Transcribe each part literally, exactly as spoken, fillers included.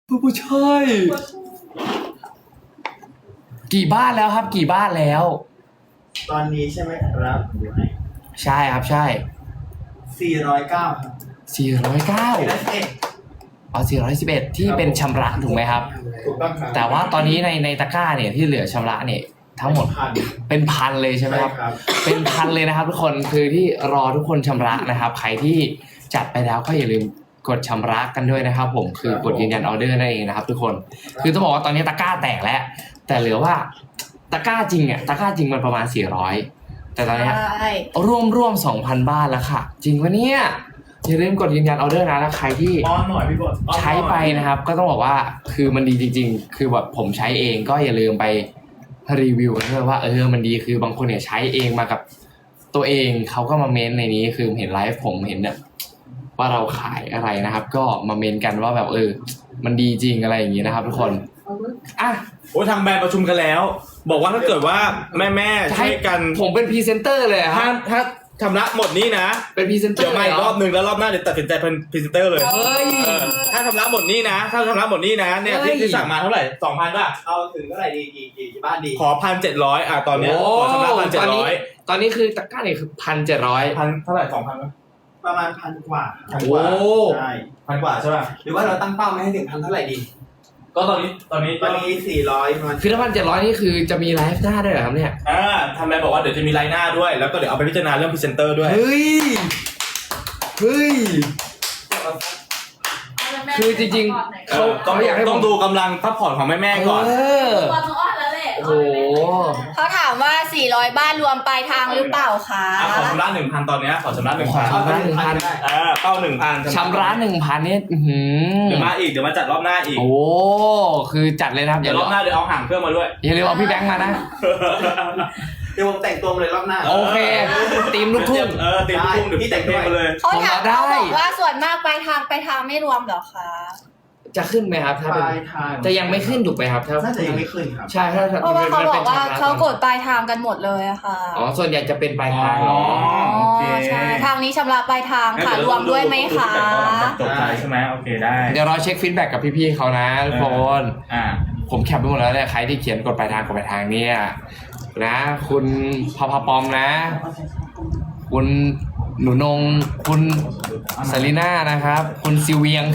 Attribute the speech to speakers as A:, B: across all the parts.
A: ผู้ชายกี่บ้านแล้วครับกี่บ้านแล้ว
B: ตอนนี้ใช่ไหมครับอยู่ไหน
A: ใช่ครับใช่
B: สี่ร้อยเก้าครับ
A: สี่ร้อยเก้า
B: สี่ร้อยสิบเอ็ด
A: อ๋อสี่ร้อยสิบเอ็ดที่เป็นชำระถูกไหมครับ
B: ถูกต้องครับ
A: แต่ว่าตอนนี้ในในตะกร้าเนี่ยที่เหลือชำระเนี่ยทั้งหมด
B: พัน
A: เป็นพันเลยใช่ไหมครับ
B: ใช่ครับ
A: เป็นพันเลยนะครับทุกคนคือที่รอทุกคนชำระนะครับ ใครที่จัดไปแล้วก็อย่าลืมกดชำระกันด้วยนะครับ ผมคือกดยืนยันออเดอร์นั่นเองนะครับ ทุกคนคือต้องบอกว่าตอนนี้ตะกร้าแตกแล้วแต่เหลือว่าตะกร้าจริงอ่ะตะกร้าจริงมันประมาณสี่ร้อยแต่ตอนนี้ร่วมร่วมสองพันบ้านแล้วค่ะจริงปะเนี่ยอย่าลืมกดยืนยันออเดอร์นะแล้วใครที่
B: อ้อนหน่อยพี่บดอ้อนหน่อย
A: ใช้ไปนะครับก็ต้องบอกว่าคือมันดีจริงๆ คือแบบผมใช้เองก็อย่าลืมไปรีวิวกันด้วยว่าเออมันดีคือบางคนเนี่ยใช้เองมากับตัวเองเขาก็มาเมนในนี้คือเห็นไลฟ์ผมเห็นเนี่ยว่าเราขายอะไรนะครับ ก็มาเมนกันว่าแบบเออมันดีจริงอะไรอย่างนี้นะครับ ทุกคนอ่ะ
C: โอ้ยทางแบรนด์ประชุมกันแล้ว บอกว่าถ้าเกิดว่าแม่แม่ๆช่วยกัน
A: ผมเป็นพรีเซนเตอร์เลยค
C: ถ้า
A: รับ
C: ถ้าชำระหมดนี้นะ
A: เป็นพรีเซนเตอ
C: เดี๋ยว
A: ร์
C: มาอีกรอบหนึ่งแล้วรอบหน้าเดี๋ยวตัดสินใจเป็นพรีเซนเตอร์เลย
A: เฮ้ย
C: เออถ้าชำระหมดนี้นะ ถ้าชำระหมดนี้นะเนี่ย
A: เฮ้ย
C: ที่ที่สั่งมาเท่าไหร่สองพันป่ะ
B: เอาถึงเท่าไหร่ดีกี่กี่กี่บ้านดี
C: ขอพันเจ็ดร้อยอ่ะตอนเนี้ย
A: โอ้
C: ขอชำระพันเจ็
A: ต
C: ด
A: อน
C: ร้
A: นี้
C: อย
A: ตอนนี้คือตะกร้าเนี่ยคือพันเจ็ดร้อย
C: พันเท่าไหร่สองพันไหม
B: ประมาณพันกว่า
C: พันกว่า
A: โอ้
B: ใช่
C: พันกว่าใช่ป่ะ
B: หรือว่าเราตั้งเป้าไม่ให้ถึงพันเท่าไหร่ดี
C: ก็ตอนนี้ตอนนี้
B: ตอนนี้สี่ร้อยมัน
A: คือถ้าพันเจ็ดร้อยนี่คือจะมีไลฟ์หน้าด้วยเหรอครับเนี่ย
C: อ่าทางแบรนด์บอกว่าเดี๋ยวจะมีไลน์หน้าด้วยแล้วก็เดี๋ยวเอาไปพิจารณาเรื่องพรีเซนเตอร์ด้วย
A: เฮ้ย เฮ้ย คือจริงๆ
C: เออต้อง
A: เขาอยากให้ผม
C: ต้องดูกำลังพักผ่อนของแม่แม่ๆก่อน
A: เออ
D: ตัวต้องอ้อนแล้วแหละ
A: โอ้โห
D: เขาถามว่าสี่ร้อยบ้านรวมปลายทางหรือเปล่าคะ
C: อ่ะขอชำระหนึ่งพันตอนเนี้ยขอชำระหนึ่ง
A: ขอ
C: พัน
A: ชำระหนึ่งพัน
B: ได้
C: อ่าเป้าหนึ่งพัน
A: ชำระหนึ่งพันเนี่ยอื้อหือ
C: เดี๋ยวมาอีกเดี๋ยวมาจัดรอบหน้าอีก
A: โอ้ คือจัดเลยนะครับ
C: เดี๋ยวรอบหน้าเดี๋ยวเอาห่างเครื่องมาด้วย
A: อย่าลืมเอาพี่แบงค์มานะ
B: เดี๋ยวผมแต่งตัวมาเลยรอบหน้า
A: โอเคทีมลูกทุ่ง
C: เออตีมลูกทุ่งเดี๋ยวพี่แต่งเพลงมาเลย
D: เขาถาม
A: ผมเอาได้
D: เขาบอกว่าส่วนมากปลายทางปลายทางไม่รวมเหรอคะ
A: จะขึ้นไหมครับ ถ้า
B: ป
A: เป็น
B: ลายทาง
A: จะยังไม่ขึ้นถูกไหมครับถ้า
B: น่าจะยังไม่ขึ้นครับ
A: ใช่ถ้า
D: เพราะว่าเขาบอกว่า
A: มันป็นชำระ
D: เขากดปลายทางกันหมดเลยอะค่ะ
A: อ๋อ ส่วนใหญ่จะเป็นปลายทางเนาะ
C: อ๋อ
D: อ๋อ
C: โอเค
D: ใช่ทางนี้ชำระปลายทางค่ะรวมด้วยไหมคะ
C: จบไปใช่ไหมโอเคได้
A: เดี๋ยวเราเช็คฟีดแบ็กกับพี่ๆเขานะทุกคน
C: อ่า
A: ผมแคปไปหมดแล้วเนี่ยใครที่เขียนกดปลายทางกดปลายทางเนี่ยนะ คุณพาพาปอมนะ คุณหนูนงคุณสลิน่านะครับ คุณซิเวียง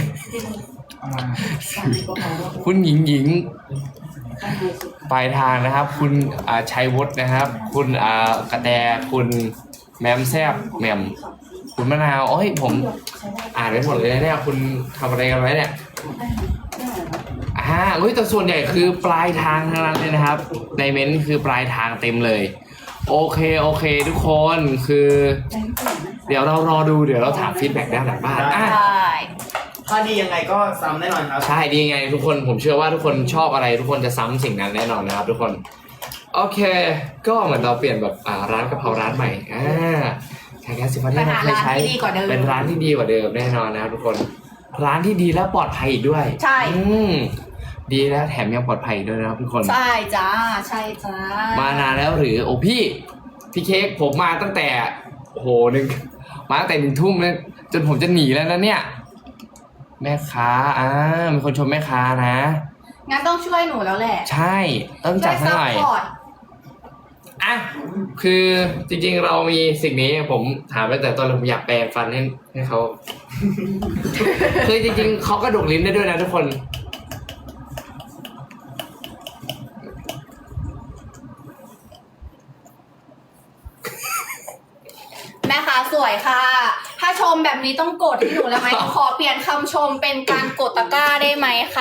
A: คุณหญิงหญิงปลายทางนะครับ คุณอ่าชัยวุฒินะครับ คุณอ่ากระแตคุณแมมแซบแมมคุณมะนาวโอ้ยผมอ่านไปหมดเลยนะเนี่ยคุณทำอะไรกันไว้เนี่ยอ่าเฮ้ยแต่ส่วนใหญ่คือปลายทางทั้งนั้นเลยนะครับในเม้นต์คือปลายทางเต็มเลยโอเคโอเคทุกคนคือ เดี๋ยวเรารอดูเดี๋ยวเราถามฟีดแบ็กด้านหลังบ้านอ่ะ
D: ใช่
B: ถ้าดียังไงก็ซ้ำแน่นอนครับ
A: ใช่ดีไงทุกคนผมเชื่อว่าทุกคนชอบอะไรทุกคนจะซ้ำสิ่งนั้นแน่นอนนะครับทุกคนโอเค ก็เหมือนเราเปลี่ยนแบบอ่าร้านกะเพราร้านใหม่อ่าใช้แก๊สสิฟันที่เราเคยใช้เป็นร้านที่ดีกว่าเดิมแน่นอนนะครับทุกคนร้านที่ดีและปลอดภัยอีกด้วย
D: ใช่
A: อืมดีแล้วแถมยังปลอดภัยอีกด้วยนะครับทุกคน
D: ใช่จ้าใช่จ้าม
A: านานแล้วหรือโอ้พี่พี่เค้กผมมาตั้งแต่โอ้โหหนึ่งมาตั้งแต่หนึ่งทุ่มเลยจนผมจะหนีแล้วนะเนี่ยแม่ค้าอ่ามีคนชมแม่ค้านะ
D: งั้นต้องช่วยหนูแล้วแหละ
A: ใช่ต้องจัด
D: ช่วย
A: ให้
D: ซั
A: หน่อย
D: พพอร์ต
A: อ่ะคือจริงๆเรามีสิ่งนี้ผมถามไปแต่ตอนผมอยากแปลงฟันให้ให้เขา คือจริงๆเขากระดกลิ้นได้ด้วยนะทุกคน
D: แม่ค้าสวยค่ะ ถ้าชมแบบนี้ต้องกดให้หนูแล้วไหม ขอเปลี่ยนคำชมเป็นการกดตะกร้าได้ไหมคะ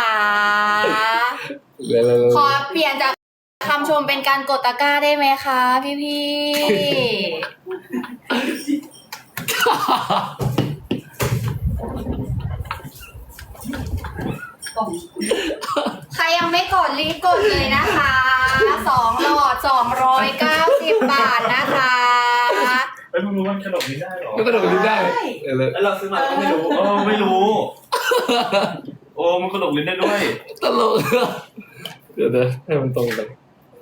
D: ขอเปลี่ยนจากคำชมเป็นการกดตะกร้าได้ไหมคะพี่พี่ๆใครยังไม่กดรีบกดเลยนะคะสองหลอดสองร้อยเก้าสิบบาทนะคะ
C: เอ้ยมึงรู้ว่ามันกระดกลิ้นได้หรอ
A: ก็กระดกลิ้นได้เออเลย
B: แล้วเราซื้อมาก็ไม่รู้
C: โอ้ไม่รู้ โอ้มันกระดกลิ้นได้ด้วย
A: ตลกเดี๋ยวเดี๋ยวให้มันตรงกัน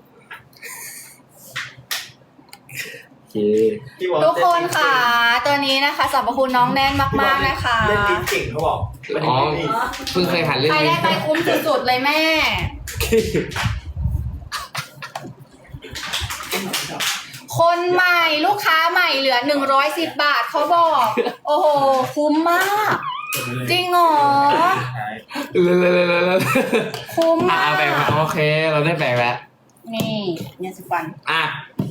A: โอเค
B: ที่บอก
D: ทุกคนค่ะ ตัวนี้นะคะสรรพคุณน้องแน่นมากๆนะคะ
B: เล่นลิ้นเก่งเขาบอก
A: อ๋อเพิ่งเคยหันเรื่อง
D: ใคร
A: นี้
D: ได้ไปคุ้มสุดๆเลยแม่ คนใหม่ลูกค้าใหม่เหลือหนึ่งร้อยสิบบาทเขาบอก โอ้โห คุ้มมาก จริงเหรอ
A: เลยเลยเลยเลยเลย
D: คุ้ม
A: อ่ะ
D: มาก
A: แบ่งมาโอเค เราได้แบ่งแล้ว
D: นี่เนี่ยสิฟัน
A: อ่ะ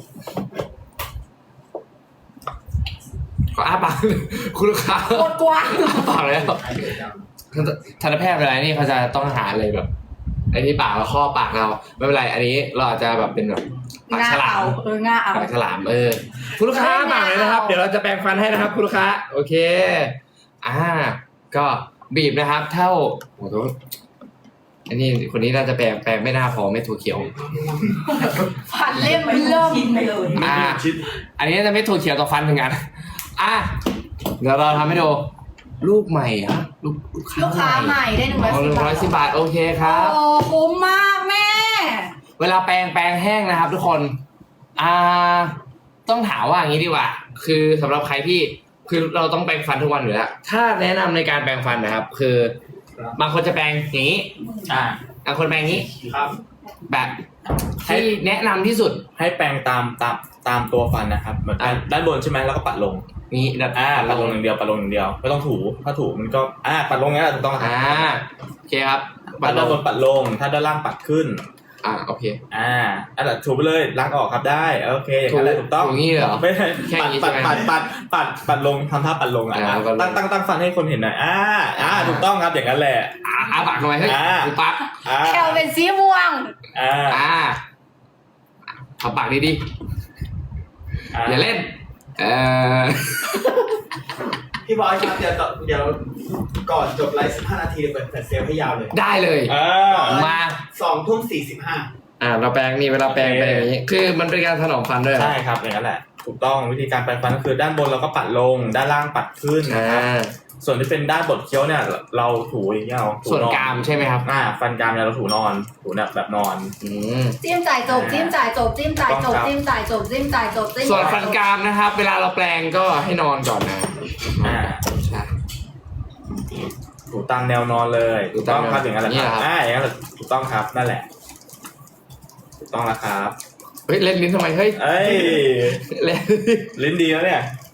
A: ขออ้าปากคุณลูกค้า
D: โคตรกว้าง
A: อ้าปากแล้วทันตแพทย์เวลานี่เขาจะต้องหาอะไรแบบไอ้ที่ปากเราข้อปากเราไม่เป็นไร อันนี้เราอาจจะแบบเป็นแบบปาก
D: ง่า
A: ฉลา
D: เอา
A: ม
D: เออง่าเอา
A: ปากฉลามเออคุณลูกค้าปากเลยนะครับ เดี๋ยวเราจะแปรงฟันให้นะครับ คุณลูกค้าโอเค อ่า ก็บีบนะครับ เท่าโอ้โหอันนี้คนนี้น่าจะแปรงแปรงไม่น่าพอไม่ถั่วเขียว
D: ฟันเล่มเริ่ม
A: อ่า อันนี้จะไม่ถั่วเขียวต่อฟันเหมือนกันอ่ะเดี๋ยวเราทำให้ดูลูกใหม่อ่ะลูกลูกค้า
D: ลูกค้าใหม่ได้หนึ่งร้อย
A: ห
D: สิ
A: นึ่
D: บ
A: งร้อยสิบบาทโอเคครับ
D: โอ้คุ้มมากแม่
A: เวลาแปรงแปรงแห้งนะครับ ทุกคน อ่า ต้องถามว่าอย่างนี้ดีกว่า คือสำหรับใครที่คือเราต้องแปรงฟันทุกวันอยู่แล้วถ้าแนะนำในการแปรงฟันนะครับ คือบางคนจะแปรงอย่างนี้
C: อ่า
A: บางคนแปรงอย่างนี้
B: ครับ
A: แบบที่แนะนำที่สุด
C: ให้แปรงตามตามตามตัวฟันนะครับเหมือน
A: อ่ะ
C: ด้านบนใช่ไหมแล้วก็ปัดลง
A: นี้แบบ
C: อ่าปัดลงอย่างเดียวปัดลงอย่างเดียวไม่ต้องถูถ้าถูมันก็อ่าปัดลงงั้นแหละถูกต้องครับ
A: อ่าโอเคครับ
C: ปัดด้านบนปัดลง ถ้าด้านล่างปัดขึ้น
A: อ่าโอเค
C: อ่าอันนั้นถูไปเลยล้างออกครับได้โอเคอย่างนั้นแหละถูกต้อง
A: ถูอย่างนี้เหรอ
C: ไม่ใช่
A: แค่
C: ปัด
A: นี้
C: ปัด
A: ใช่ไหม
C: ปัดปัดปัดปัดลงทำท่าปัดลงอ่ะ
A: อ่าปัดลง
C: ตั้งตั้งตั้งฟันให้คนเห็นหน่อยอ่าอ่าถูกต้องครับอย่างนั้นแหละ
A: อ่าอาปากทำไมเฮ้ย
C: อ่า
A: กูปัก
C: อ่า
D: แคลเป็นสีม่วง
C: อ่า
A: อ่าเอาปากดี
C: อ่า
A: ๆอย่าเล่น เออ
B: พี่บอยครับเดี๋ยวต่อเดี๋ยวก่อนจบไลฟ์สิบห้านาทีเดี๋ยวเปิดแฟลชเซลให้ยาวเลย
A: ได้เลย
C: อ่า
A: มา
B: สองทุ่มสี่สิบห้า
A: อ่า เราแปรงนี่เวลาแปรง
C: โอเค
A: แปรงอย่างนี้ คือมันเป็นการถนอมฟันด้วยเหรอ
C: ใช่ครับอย่างนั้นแหละถูกต้องวิธีการแปรงฟันก็คือด้านบนเราก็ปัดลง ด้านล่างปัดขึ้น
A: อ่
C: นะครับ
A: า
C: ส่วนที่เป็นด้านบดเคี้ยวเนี่ยเราถูอย่างเงี้ยเอาถู
A: ส่วน
C: นอน
A: กรามใช่ไหมครับ
C: อ่าฟันกรามเนี่ยเราถูนอนถูแบบแบบนอน
A: อืม
D: จิ้มจ่ายจบจิ้มจ่ายจบจิ้มจ่ายจบ
C: ต้องครับ
D: จิ้มจ่ายจบจิ้มจ่ายจบจิ้ม
A: ส่วน
D: จ่ายจบ
A: ฟันกรามนะครับ เวลาเราแปรงก็ให้นอนก่อนนะ
C: อ่า
A: ใช่
C: ถูตามแนวนอนเลย
A: ถู
C: ถูก
A: ตา
C: ต้
A: ม
C: องครับอย่างนั้นแหละ
A: นี่
C: ค
A: เหร
C: รั
A: อบ ครับ
C: อ่าอย่างนั้นแหละถูกต้องครับนั่นแหละถูกต้องแล้วครับ
A: เฮ้ยเล่นลิ้นทำไมเฮ้ย
C: เอ้ย
A: เล่น
C: ลิ้นดีแล้วเนี่ย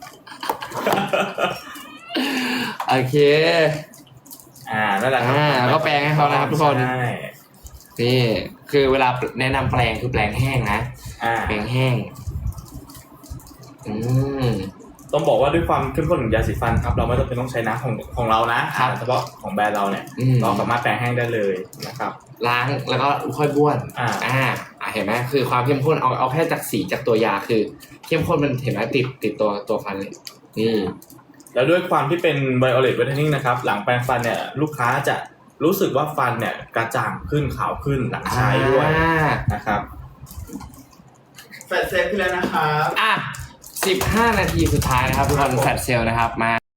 A: โอเค
C: อ่านั่นแหละครับ
A: อ่าก็แปรงให้เขานะครับทุกคน
C: ใช่
A: นี่คือเวลาแนะนำแปรงคือแปรงแห้งนะ
C: อ่า
A: แปรงแห้ง อืม
C: ต้องบอกว่าด้วยความเข้มข้นของยาสีฟันครับ เราไม่จำเป็นต้องใช้น้ำของของเรานะครับ เฉพาะของแบรนด์เราเนี่ย
A: อืม
C: เราสามารถแปรงแห้งได้เลยนะครับ
A: ล้างแล้วก็ค่อยบ้วน
C: อ่า
A: อ่าอ่าเห็นไหมคือความเข้มข้นเอาเอาแค่จากสีจากตัวยาคือ เข้มข้นมันเห็นไหมติดติดตัวตัวฟันเลย นี่
C: แล้วด้วยความที่เป็นไวโอเลตเวทเทนนิ่งนะครับหลังแปรงฟันเนี่ยลูกค้าจะรู้สึกว่าฟันเนี่ยกระจ่างขึ้นขาวขึ้นหลังใช้ด้วย
A: อ่า
C: นะครับ
B: แฟลชเซลขึ้นแล้วนะครับ
A: อ่ะสิบห้านาทีสุดท้ายนะครับทุกคนแฟลชเซลลนะครับมา